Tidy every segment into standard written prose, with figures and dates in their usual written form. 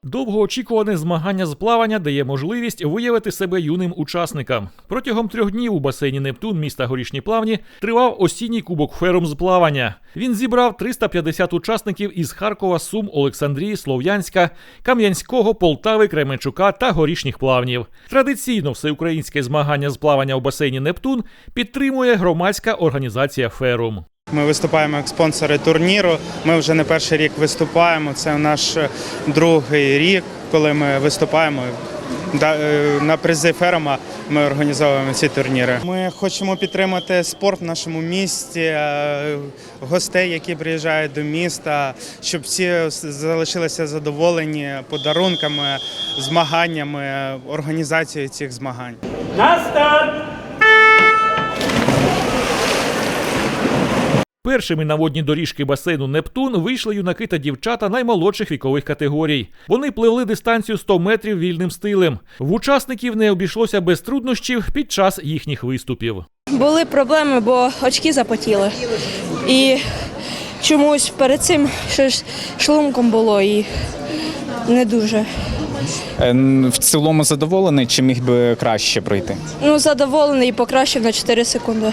Довгоочікуване змагання з плавання дає можливість виявити себе юним учасникам. Протягом 3 днів у басейні «Нептун» міста Горішні Плавні тривав осінній кубок Ферум з плавання. Він зібрав 350 учасників із Харкова, Сум, Олександрії, Слов'янська, Кам'янського, Полтави, Кременчука та Горішніх Плавнів. Традиційно всеукраїнське змагання з плавання у басейні «Нептун» підтримує громадська організація «Ферум». Ми виступаємо як спонсори турніру. Ми вже не перший рік виступаємо. Це наш другий рік, коли ми виступаємо. На призи Ферума ми організовуємо ці турніри. Ми хочемо підтримати спорт в нашому місті, гостей, які приїжджають до міста, щоб всі залишилися задоволені подарунками, змаганнями, організацією цих змагань. На старт! Першими на водні доріжки басейну «Нептун» вийшли юнаки та дівчата наймолодших вікових категорій. Вони пливли дистанцію 100 метрів вільним стилем. В учасників не обійшлося без труднощів під час їхніх виступів. Були проблеми, бо очки запотіли. І чомусь перед цим щось шлунком було і не дуже. В цілому задоволений, чи міг би краще пройти? Задоволений і покращив на 4 секунди.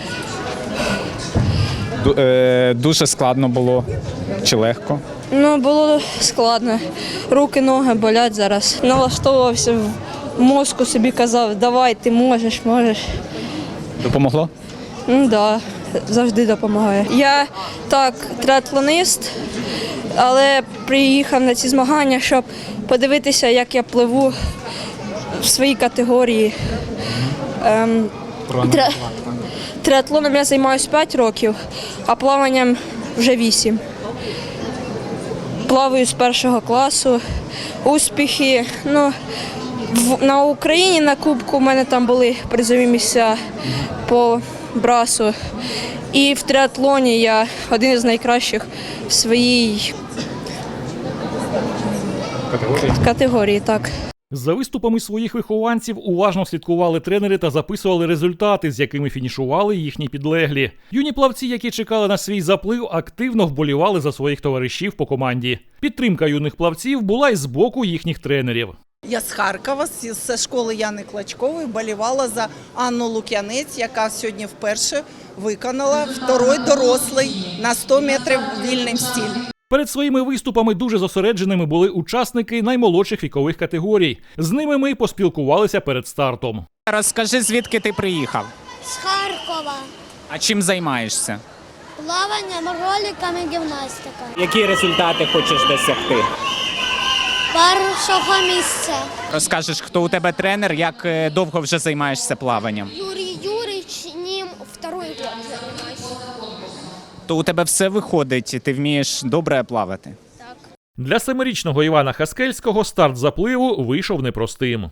Дуже складно було чи легко? Було складно. Руки, ноги болять зараз. Налаштовувався в мозку, собі казав, давай, ти можеш. Допомогло? Так, завжди допомагає. Я триатлонист, але приїхав на ці змагання, щоб подивитися, як я пливу в своїй категорії. Триатлоном я займаюся 5 років, а плаванням вже 8. Плаваю з 1 класу. Успіхи. На Україні на Кубку в мене там були призові місця по брасу. І в триатлоні я один із найкращих в своїй категорії. Так. За виступами своїх вихованців уважно слідкували тренери та записували результати, з якими фінішували їхні підлеглі. Юні плавці, які чекали на свій заплив, активно вболівали за своїх товаришів по команді. Підтримка юних плавців була й з боку їхніх тренерів. Я з Харкова, з школи Яни Клочкової, вболівала за Анну Лук'янець, яка сьогодні вперше виконала второй дорослий на 100 метрів вільним стиль. Перед своїми виступами дуже зосередженими були учасники наймолодших вікових категорій. З ними ми поспілкувалися перед стартом. Розкажи, звідки ти приїхав? З Харкова. А чим займаєшся? Плаванням, роликами, гімнастика. Які результати хочеш досягти? Першого місця. Розкажеш, хто у тебе тренер, як довго вже займаєшся плаванням? Юрій Юрійович, ним 2-й год займаюся. То у тебе все виходить, ти вмієш добре плавати? Так. Для 7-річного Івана Хаскельського старт запливу вийшов непростим.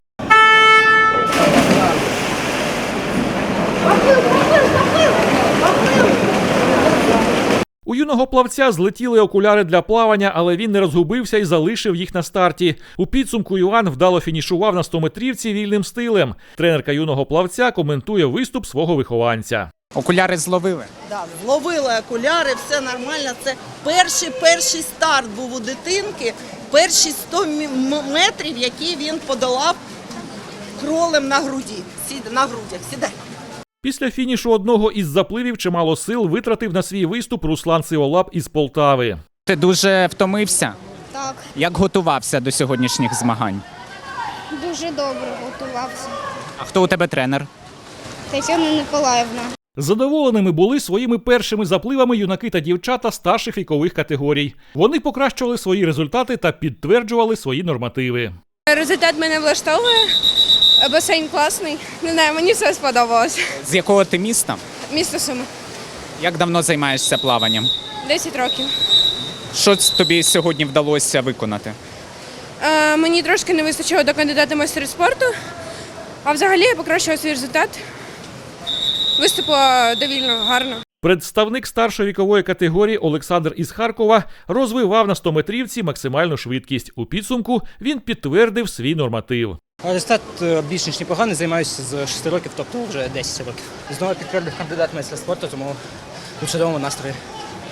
У юного плавця злетіли окуляри для плавання, але він не розгубився і залишив їх на старті. У підсумку Іван вдало фінішував на 100-метрівці вільним стилем. Тренерка юного плавця коментує виступ свого вихованця. Окуляри зловили? Так, зловили окуляри, все нормально. Це перший старт був у дитинки, перші 100 метрів, які він подолав кролем на грудях. Сідай. Після фінішу одного із запливів чимало сил витратив на свій виступ Руслан Сиволап із Полтави. Ти дуже втомився? Так. Як готувався до сьогоднішніх змагань? Дуже добре готувався. А хто у тебе тренер? Тетяна Николаївна. Задоволеними були своїми першими запливами юнаки та дівчата старших вікових категорій. Вони покращували свої результати та підтверджували свої нормативи. Результат мене влаштовує. Басейн класний. Не знаю, мені все сподобалось. З якого ти міста? Місто Суми. Як давно займаєшся плаванням? 10 років. Що тобі сьогодні вдалося виконати? Мені трошки не вистачило до кандидата в майстри спорту, а взагалі я покращила свій результат. Виступила довільно гарно. Представник старшої вікової категорії Олександр із Харкова розвивав на 100-метрівці максимальну швидкість. У підсумку він підтвердив свій норматив. Результат більш ніж непоганий, займаюся з 6 років, тобто вже 10 років. Знову підтвердив кандидат в майстра спорту, тому у чудовому настрої.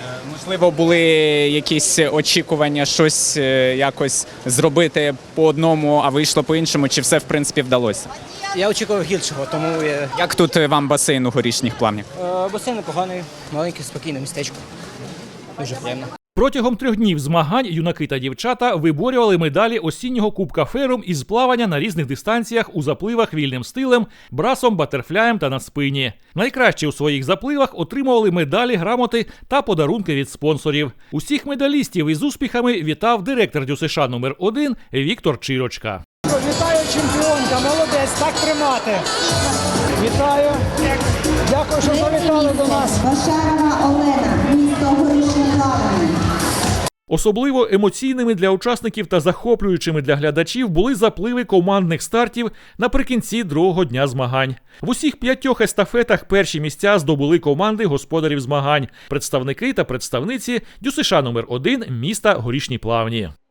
Можливо, були якісь очікування щось якось зробити по одному, а вийшло по іншому, чи все в принципі вдалося? Я очікував гіршого, тому Як тут вам басейн у Горішніх Плавнях? басейн непоганий, маленьке, спокійне містечко. Дуже приємно. Протягом 3 днів змагань юнаки та дівчата виборювали медалі осіннього Кубка Ферум із плавання на різних дистанціях у запливах вільним стилем, брасом, батерфляєм та на спині. Найкраще у своїх запливах отримували медалі, грамоти та подарунки від спонсорів. Усіх медалістів із успіхами вітав директор ДЮСШ номер 1 Віктор Чирочка. Вітаю, чемпіонка, молодець, так тримати. Вітаю. Дякую, що завітали до нас. Башарова Олена, місто Горішнє Плавання. Особливо емоційними для учасників та захоплюючими для глядачів були запливи командних стартів наприкінці другого дня змагань. В усіх 5 естафетах перші місця здобули команди господарів змагань, представники та представниці ДЮСШ номер 1 міста Горішні Плавні.